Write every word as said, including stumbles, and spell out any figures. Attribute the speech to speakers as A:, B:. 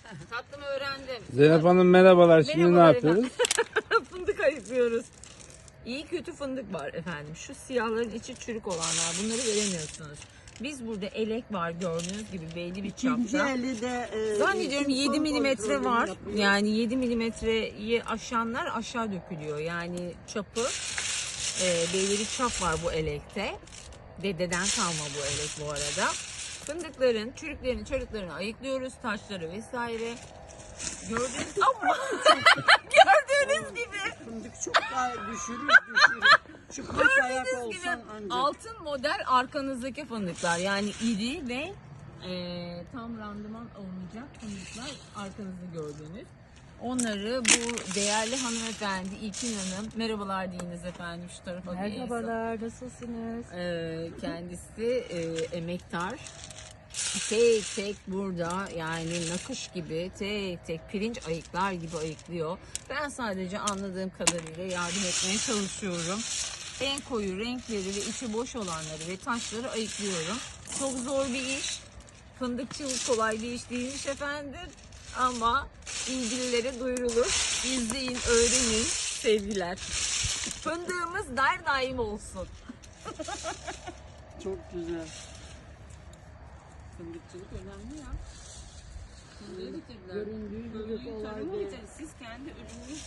A: Tatlımı öğrendim.
B: Zeynep Hanım merhabalar. Şimdi ne
A: Merhabalar
B: yapıyoruz?
A: Fındık ayıklıyoruz. İyi kötü fındık var efendim. Şu siyahların içi çürük olanlar. Bunları veremiyorsunuz. Biz burada elek var gördüğünüz gibi belli bir
C: İkinci
A: çapta.
C: eli de e,
A: Zannediyorum
C: eğitim
A: yedi milimetre
C: kontrolünü
A: var.
C: yapıyor.
A: Yani yedi milimetreyi aşanlar aşağı dökülüyor. Yani çapı e, belli bir çap var bu elekte. Dededen kalma bu elek bu arada. Fındıkların, çürüklerini, çarıklarını ayıklıyoruz. Taşları vesaire. Gördüğünüz ama gördüğünüz gibi
C: Fındık çok daha düşürür düşürür. Çıplak ayak
A: gördüğünüz gibi
C: olsan ancak.
A: altın model arkanızdaki fındıklar. Yani iri ve e, tam randıman olmayacak fındıklar arkanızda gördüğünüz. Onları bu değerli hanımefendi İlkin Hanım, merhabalar deyiniz efendim şu tarafa. bir el sallayın.
D: Merhabalar, nasılsınız?
A: Ee, kendisi e, emektar. Tek tek burada yani nakış gibi tek tek pirinç ayıklar gibi ayıklıyor. Ben sadece anladığım kadarıyla yardım etmeye çalışıyorum. En koyu renkleri ve içi boş olanları ve taşları ayıklıyorum. Çok zor bir iş. Fındıkçılık kolay bir iş değilmiş efendim. Ama ilgililere duyurulur. İzleyin, öğrenin sevgiler. Fındığımız der daim olsun.
C: Çok güzel.
A: Fındıkçılık önemli ya. Fındığı getirdiler.
C: Göründüğü gibi
A: Fındığı
C: kolay
A: tarıma
C: değil.
A: getirin. Siz kendi ürününüz